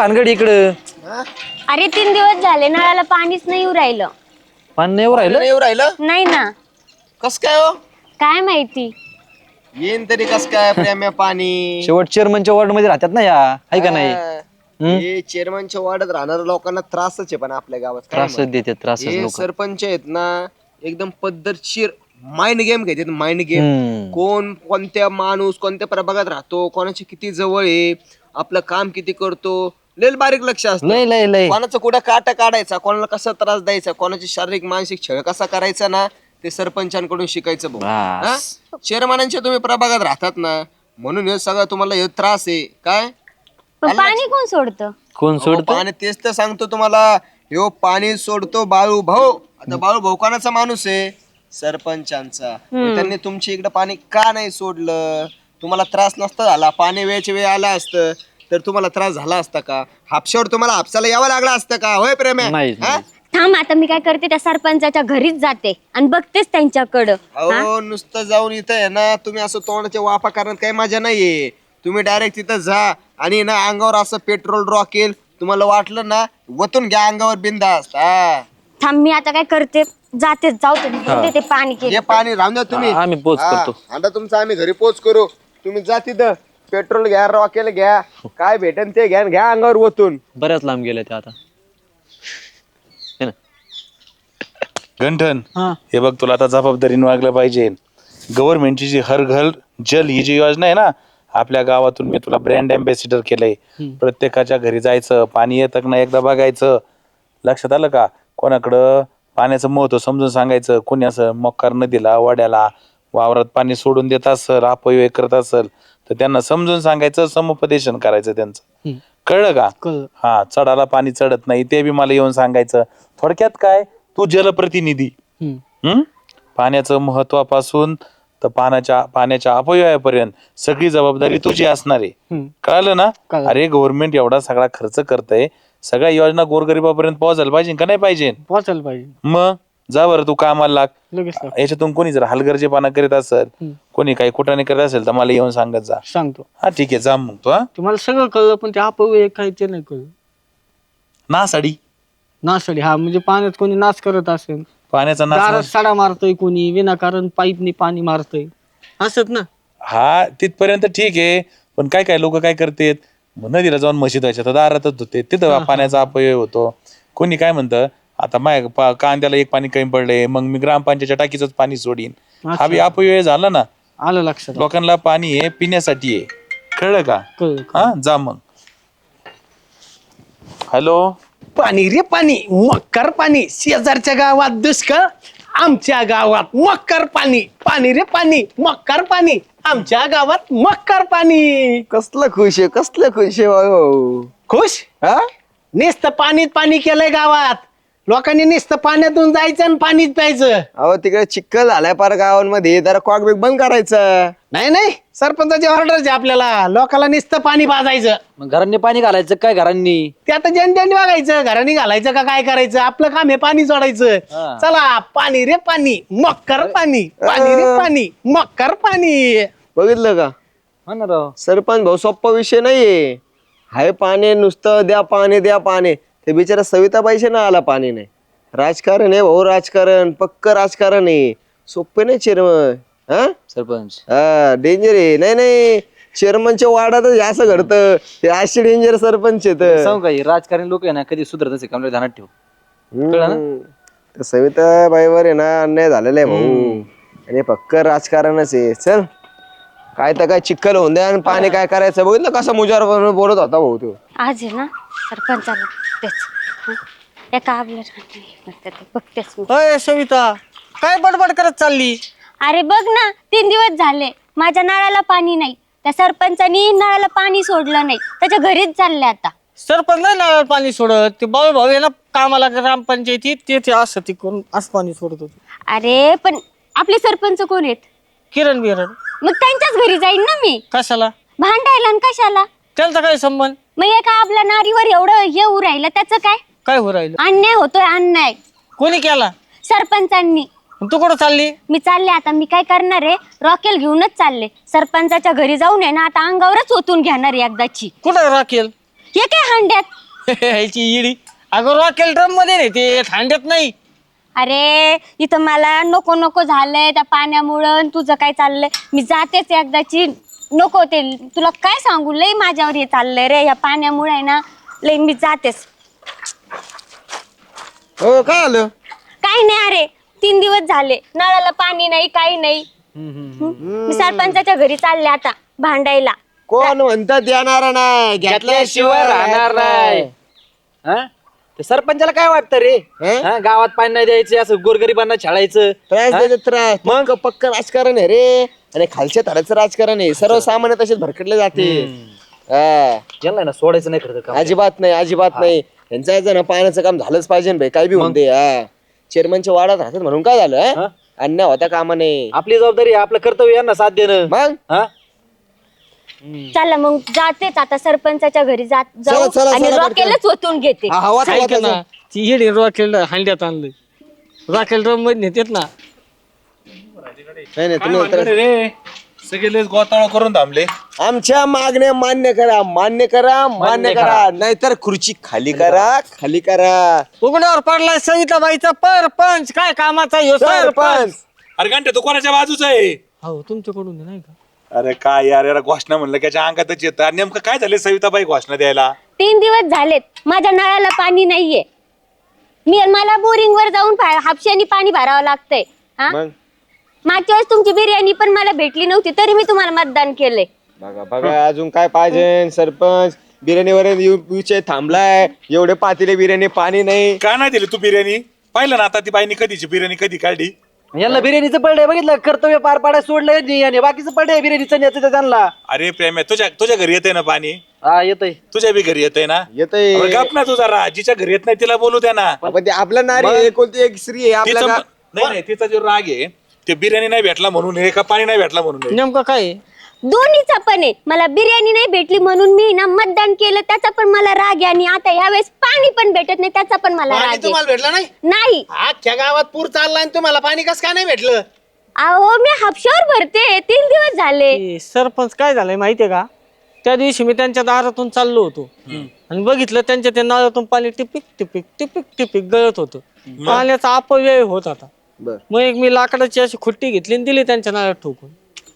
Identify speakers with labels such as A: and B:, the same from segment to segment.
A: भानगड इकडं?
B: अरे 3 दिवस झाले नळाला पाणीच नाही येऊ राहिलं.
A: पाणी नाही राहिलं?
C: येऊ राहिलं
B: नाही ना.
C: कस काय हो?
B: काय माहिती.
C: येईन तरी कस काय प्रेम्या पाणी?
A: शेवट चेअरमनच्या वॉर्ड मध्ये राहतात ना या, आहे का नाही?
C: हे चेअरमनच्या वार्डात राहणाऱ्या लोकांना त्रासच आहे, पण आपल्या गावात काय
A: त्रासच
C: माहित?
A: देतात, त्रासच
C: हे
A: लोक.
C: सरपंच आहेत ना, एकदम पद्धतशीर माइंड गेम घेतात. माइंड गेम कोण कोणत्या माणूस कोणत्या प्रभागात राहतो, कोणाची किती जवळ आहे, आपलं काम किती करतो, लय बारीक लक्ष असतं.
A: लय लय लय
C: कोणाचं कुठं काटा काढायचा, कोणाला कसा त्रास द्यायचा, कोणाची शारीरिक मानसिक छळ कसा करायचा ना, ते सरपंचांकडून शिकायचं भाऊ. हा? चेअरमनांच्या तुम्ही प्रभागात राहतात ना, म्हणून हे सगळं तुम्हाला हे त्रास आहे काय.
B: पण पाणी कोण सोडतं?
A: कोण सोडतो?
C: पाणी तेच तर सांगतो तुम्हाला, ह्यो पाणी सोडतो बाळू भाऊ. आता बाळू भाऊ कोणाचा माणूस आहे? सरपंचांचा. मग त्यांनी तुमच्या इकडे पाणी का नाही सोडलं? तुम्हाला त्रास नसता झाला, पाणी वेळच्या वेळ आला असतं तर तुम्हाला त्रास झाला असता का? हापशावर तुम्हाला हापसाला यावं लागलं असतं का? होय प्रेम्या?
A: नाही,
C: हा?
B: थांब आता मी काय करते, त्या सरपंचाच्या घरीच जाते आणि बघतेच त्यांच्याकडं.
C: अहो नुसतं जाऊन इथं आहे ना, तुम्ही असं तोंडाच्या वापा करण्यात काही मजा नाहीये. तुम्ही डायरेक्ट तिथं जा आणि ना अंगावर असं पेट्रोल रॉकेल, तुम्हाला वाटलं ना वतून घ्या अंगावर बिंदास्त.
B: थांब मी आता काय करते, जाते जाऊ ते पाणी
C: हे पाणी राहून द्या तुम्ही.
A: आम्ही पोच करतो.
C: आता तुमचं आम्ही घरी पोच करू. तुम्ही जा तिथं, पेट्रोल घ्या, रॉकेल घ्या, काय भेटेन ते घ्या, घ्या अंगावर वतून.
A: बऱ्याच लांब गेले ते आता. है ना?
D: गंठन, हे बघ तुला आता जबाबदारीने वागलं पाहिजे. गव्हर्नमेंटची जी हर घर जल ही जी योजना आहे ना, आपल्या गावातून मी तुला ब्रँड अँबॅसिडर केलंय. प्रत्येकाच्या घरी जायचं, पाणी येतं का नाही एकदा बघायचं. लक्षात आलं का? कोणाकडं पाण्याचं महत्व समजून सांगायचं. कोणी असं मोक्कार नदीला वाड्याला वावरात पाणी सोडून देत असेल, अपव्यय करत असेल तर त्यांना समजून सांगायचं, समुपदेशन करायचं त्यांचं. कळलं का? हा, चढाला पाणी चढत नाही ते बी मला येऊन सांगायचं. थोडक्यात काय, तू जलप्रतिनिधी. पाण्याचं महत्वापासून तर पाण्याच्या अपव्ययापर्यंत सगळी जबाबदारी तुझी असणार आहे. कळलं ना? अरे गव्हर्नमेंट एवढा सगळा खर्च करतय, सगळ्या योजना गोरगरिबापर्यंत पोहोचायला पाहिजे का नाही पाहिजे?
E: पोहोचायला पाहिजे.
D: मग जा बरं तू कामाला लाग.
E: लगेच
D: याच्यातून कोणी जर हलगर्जेपणा करीत असेल, कोणी काही कुठाने करत असेल तर मला येऊन सांगत जा.
E: सांगतो.
D: हा ठीक आहे, जा मग तू. हा,
E: तुम्हाला सगळं कळलं पण ते अपव्यय काय ते नाही कळलं.
D: ना साडी
E: नासाडी हा म्हणजे पाण्यात कोणी नाश करत असेल,
D: पाण्याचा
E: दारात
D: नाच.
E: साडा मारतोय, कोणी विनाकारण पाईपने पाणी मारतोय, असत ना.
D: हा तिथपर्यंत ठीक आहे, पण काय काय लोक काय करतात, नदीला जाऊन म्हशी धुवायच्या तर दारातच धुते, तिथं पाण्याचा अपव्यय होतो. कोणी काय म्हणतं, आता माझ्या कांद्याला एक पाणी कमी पडले, मग मी ग्रामपंचायतच्या टाकीच पाणी सोडीन. हा बी अपव्यय झाला ना.
E: आलं लक्षात.
D: लोकांना पाणी हे पिण्यासाठी आहे. कळलं का?
E: कळलं.
D: हा, जा मग. हॅलो,
F: पाणी रे पाणी, मक्कर पाणी. शेजारच्या गावात दुष्काळ, आमच्या गावात मक्कर पाणी. पाणी रे पाणी, मक्कर पाणी, आमच्या गावात मक्कर पाणी.
C: कसलं खुश आहे, कसलं खुश आहे भाऊ.
F: खुश?
C: हा?
F: नुसतं पाणीच पाणी केलंय गावात. लोकांनी नुसतं पाण्यातून जायचं आणि पाणीच प्यायचं.
C: अहो तिकडे चिखल झालाय पार गावांमध्ये, जरा कॉकबेक बंद करायचं.
F: नाही नाही, सरपंचाची ऑर्डर आहे आपल्याला. लोकांना नुसतं पाणी पाजायचं.
A: मग घरांनी पाणी घालायचं काय? घरांनी
F: ते आता जनतेने बघायचं, घराने घालायचं का काय करायचं. आपलं काम आहे पाणी सोडायचं. चला, पाणी रे पाणी, मक्कर पाणी. पाणी रे पाणी, मक्कर पाणी.
C: बघितलं का?
A: हा ना राव.
C: सरपंच भाऊ सोप्पा विषय नाहीये. हाय पाणी, नुसतं द्या पाणी द्या पाणी. ते बिचारा सविताबाईचे ना आला पाणी नाही. राजकारण आहे भाऊ, राजकारण, पक्क राजकारण आहे. सोपे नाही चेअरमन. हा
A: सरपंच
C: हा, डेंजर आहे. नाही नाही, चेअरमनच्या वार्डातच असं घडतं. ते असे डेंजर सरपंच आहेत.
A: सांगू काही, राजकारणी लोक आहे ना कधी सुधरत असे कमला ध्यानात ठेव. कळलं ना?
C: सविताबाईवर आहे ना अन्याय झालेला आहे भाऊ. आणि पक्क राजकारणच आहे. चल, काय तर काय चिखल होऊन द्या आणि पाणी काय करायचं. बघितलं कसं मुजार बोलत होता भाऊ तो.
B: आज आहे ना सरपंचाला तेच एका आपल्या बघतेच मी.
E: अय सविता, काय बडबड करत चालली?
B: अरे बघ ना, 3 दिवस झाले माझ्या नळाला पाणी नाही. त्या सरपंचानी नळाला पाणी सोडलं नाही, त्याच्या घरीच चालले आता.
E: सरपंच नाही नळाला पाणी सोडत. ते बाळू भाऊ आहे ना कामाला ग्रामपंचायतीत, ते असं ती कोण असं पाणी सोडत होते.
B: अरे पण आपले सरपंच कोण आहेत?
E: किरण बिरण.
B: मग त्यांच्याच घरी जाईन ना मी.
E: कशाला?
B: भांडायला आणि कशाला?
E: त्यांचा काय संबंध?
B: मग एका आपल्या नारीवर एवढं येऊ राहिलं, त्याचं काय?
E: काय हो राहिलं?
B: अन्याय होतोय, अन्याय.
E: कोणी केला?
B: सरपंचांनी.
E: तू कुठं चालली?
B: मी चालले आता. मी काय करणार आहे, रॉकेल घेऊनच चालले. सरपंचाच्या घरी जाऊन आहे ना आता अंगावरच ओतून घेणार आहे एकदाची.
E: कुठं राखेल?
B: हे काय हांड्यात?
E: ह्याची इडी अगं रॉकेल ड्रम मध्ये नाही ते थांड्यात नाही.
B: अरे इथं मला नको नको झालंय त्या पाण्यामुळं. तुझं काय चाललंय? मी जातेच एकदाची. नको ते तुला काय सांगू, लय माझ्यावर हे चाललंय रे या पाण्यामुळे आहे ना. लय मी जातेच.
C: हो काय आलं?
B: काही नाही अरे, 3 दिवस झाले नळाला पाणी नाही, काही नाही. मी सरपंचाच्या घरी चालले आता भांडायला.
C: कोण म्हणतात येणार नाही, घेतल्याशिवाय राहणार नाही.
A: हा? ते सरपंचाला काय वाटतं रे?
C: हं?
A: हा, गावात पाणी नाही द्यायचं, असं गोरगरिबांना छळायचं.
C: त्रास देतात त्रास. मग पक्क राजकारण आहे रे, आणि खालच्या थराचं राजकारण आहे. सर्वसामान्य तसेच भरकडले जाते. हा.
A: यांना ना सोडायचं नाही खरं तर काम.
C: अजिबात नाही, अजिबात नाही. यांचं याचं ना पाण्याचं काम झालंच पाहिजे ना भाई, काय बी म्हणते. हा, चेअरमनच्या वाड्यात राहतात म्हणून काय झालं?
A: हा?
C: अन्याय होता कामा नाही.
A: आपली जबाबदारी आहे, आपलं कर्तव्य यांना साथ देणं.
C: मग
A: हा?
B: चला मग जातेच आता सरपंचाच्या घरी जाऊ
C: चला, चला,
B: आणि
C: चला,
B: रॉकेलच ओतून घेते.
C: हा, हवा
E: ऐक
C: हवा
E: ना ती इडी रॉकेल हांड्यात आणलं. रॉकेल ड्रम मध्ये नेतेत ना.
C: नाही नाही, तुम्ही
D: भानगड आहे रे सगळे लयच गोतावळा करून थांबले.
C: आमच्या मागण्या मान्य करा, मान्य करा, मान्य करा, नाहीतर खुर्ची खाली करा, खाली करा.
E: उघड्यावर पडलाय सविताबाईचा परपंच. काय कामाचा ह्यो
C: सरपंच
D: अरे घंटे तू कोणाच्या बाजूचा आहे?
E: हो तुमच्याकडून नाही का?
D: अरे काय यार यार घोषणा म्हणलं त्याच्या अंगातच येतं. नेमकं काय झालं सविताबाई घोषणा द्यायला?
B: 3 दिवस झालेत माझ्या नळाला पाणी नाहीये. मला बोरिंग वर जाऊन हापशानी पाणी भरावं लागतंय. हा,
C: मग
B: मागच्या वेळेस तुमची बिर्याणी पण मला भेटली नव्हती, तरी मी तुम्हाला मतदान केलंय.
C: बघा बघा, अजून काय पाहिजे? सरपंच बिर्याणीवर विषय थांबलाय. एवढे पातेले बिर्याणी, पाणी नाही.
D: का नाही दिली तू बिर्याणी? पाहिलं ना आता ती बाईनी कधीची बिर्याणी कधी काढली.
A: यांना बिर्याणीचं पडलंय, बघितलं कर्तव्य पार पाडायला सोडलंय नाही, आणि बाकीचं पडलंय बिर्याणीचं न्यायचं त्यांना.
D: अरे प्रेम आहे, तुझ्या घरी येते ना पाणी?
A: हा येतंय.
D: तुझ्या बी घरी येतंय ना?
C: येतंय.
D: अरे गप ना तू जरा. जिच्या घरी येत नाही तिला बोलू द्या ना.
C: पण ते आपलं नारी आहे, कोणती एक स्त्री आहे
D: तिचा
C: आपल्या
D: नाही नाही, तिचा जो राग आहे ते बिर्याणी नाही भेटला म्हणून आहे का पाणी नाही भेटला म्हणून आहे?
E: नेमकं काय आहे?
B: दोन्हीचा पण आहे. मला बिर्याणी नाही भेटली म्हणून मी ना मतदान केलं, त्याचा पण मला राग आहे. आणि आता यावेळेस पाणी पण भेटत नाही, त्याचा पण मला राग
F: पाणी
B: आहे.
F: तुम्हाला भेटलं नाही?
B: नाही
F: अख्ख्या गावात पूर चाललाय आणि तुम्हाला पाणी कसं काय नाही भेटलं?
B: अहो मी हापशावर भरते, 3 दिवस झाले.
E: ते सरपंच काय झालंय माहितीये का? त्या दिवशी मी त्यांच्या दारातून चाललो होतो आणि बघितलं त्यांच्या त्या नळातून पाणी टिपिक टिपिक टिपिक टिपिक गळत होतं. पाण्याचा अपव्यय होत आता.
C: बर.
E: मग एक मी लाकडाची अशी खुट्टी घेतली आणि दिली त्यांच्या नळात ठोकून.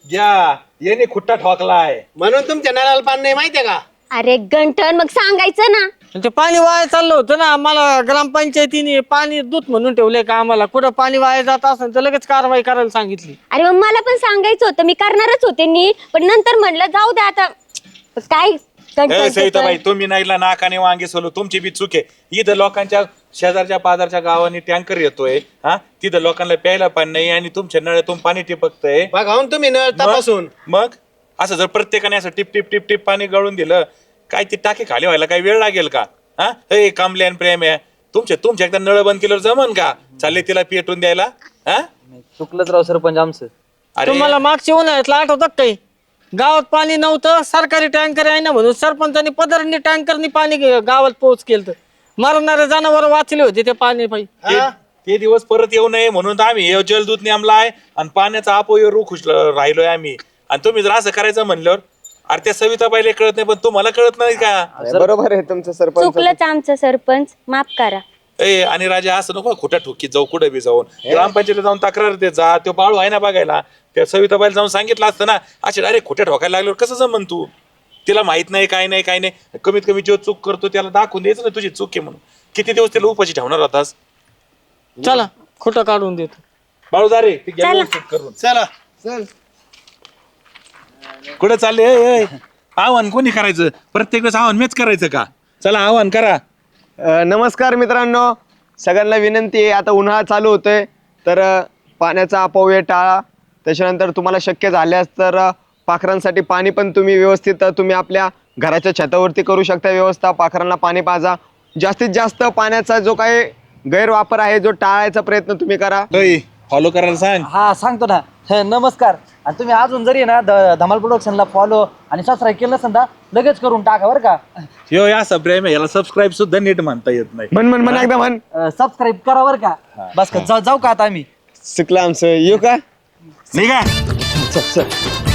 D: या येणे खुट्टा ठोकलाय.
F: म्हणून तुमच्या नळाला पाणी नाही, माहितीये का?
B: अरे गंठन, मग सांगायचं ना.
E: आणि ते पाणी वाया चाललं होतं ना. मला ग्रामपंचायतीने पाणी दूत म्हणून ठेवलंय का आम्हाला. कुठं पाणी वाया जात असेल तर लगेच कारवाई करायला सांगितली.
B: अरे मग मला पण सांगायचं होतं, मी करणारच होते नीट, पण नंतर म्हणलं जाऊ दे आता. काय गंठन
D: सविताबाई तुम्ही नाहीला नाकाने वांगे सोलो, तुमची बी चूक आहे. इथं लोकांच्या शेजारच्या पाजारच्या गावांनी टँकर येतोय. हा, तिथं लोकांना प्यायला पाणी नाही आणि तुमच्या नळ्यातून पाणी टिपकतंय.
F: बघावून तुम्ही नळ तपासून.
D: मग असं जर प्रत्येकाने असं टिप टिप टिप टिप पाणी गळून दिलं, काय ती टाकी खाली व्हायला काय वेळ लागेल का? हा, हे कामल्यान प्रेम आहे तुमच्या एकदा नळ बंद केल्यावर जमन का? चालले तिला पेटून द्यायला? हा,
A: चुकलंच राव सरपंच आमचं.
D: अरे
E: तुम्हाला मागच्या उन्हाळ्यातलं आठवतं काही? गावात पाणी नव्हतं, सरकारी टँकर आहे ना म्हणून सरपंचांनी पदरनी टँकरनी पाणी गावात पोहोच केलं. मरणारे जनावर वाचले होते ते पाणी पायी.
D: ते दिवस परत येऊ नये म्हणून तर आम्ही हे जलदूत नेमलाय आणि पाण्याचा अपव्यय रोखून राहिलोय आम्ही. आणि तुम्ही जर असं करायचं म्हणल्यावर, अरे त्या सविताबाईला कळत नाही पण तुम्हाला कळत नाही का?
C: बरोबर आहे तुमचं सरपंच.
B: चुकलंच आमचं सरपंच, माफ करा.
D: ए आणि राजा असं नको खोट्या ठोकीत जाऊ, कुठे बी जाऊन ग्रामपंचायतीला जाऊन तक्रार देत जा. तो बाळू आहे ना बघायला, त्या सविताबाईला जाऊन सांगितलं असतं ना. असे डायरेक्ट खोट्या ठोकायला लागल्यावर कसं जमन? तू तिला माहित नाही काय नाही काय नाही. कमीत कमी जो चूक करतो त्याला दाखवून द्यायचं ना तुझी चूक आहे म्हणून. किती दिवस त्याला उपाशी ठेवणार होतास?
E: चला खोटं काढून देतो.
D: बाळू जा रे, ते घ्या व्यवस्थित करून.
F: चला
C: चल.
D: कुठं चालले? आव्हान कोणी करायचं? प्रत्येक वेळेस आव्हान मीच करायचं का? चला आव्हान करा.
C: नमस्कार मित्रांनो, सगळ्यांना विनंती आहे, आता उन्हाळा चालू होतोय तर पाण्याचा अपव्यय टाळा. त्याच्यानंतर तुम्हाला शक्य झाल्यास तर पाखरांसाठी पाणी पण तुम्ही व्यवस्थित तुम्ही आपल्या घराच्या छतावरती करू शकता व्यवस्था. पाखरांना पाणी पाजा. जास्तीत जास्त पाण्याचा जो काही गैरवापर आहे जो टाळायचा प्रयत्न तुम्ही करा.
D: फॉलो करायला सांग.
A: हा सांगतो ना. नमस्कार. आणि तुम्ही अजून जरी ना धमाल प्रोडक्शनला फॉलो आणि सबस्क्राईब केलं नसेल ना, लगेच करून टाका बरं का.
D: यो असं प्रेम आहे, याला सबस्क्राईब सुद्धा नीट म्हणता येत नाही.
C: म्हण एकदा म्हण.
A: सबस्क्राईब करा बरं का. बस का, जाऊ का आता आम्ही?
C: चुकलं आमचं. येऊ का?
D: नाही का?
C: चल चल.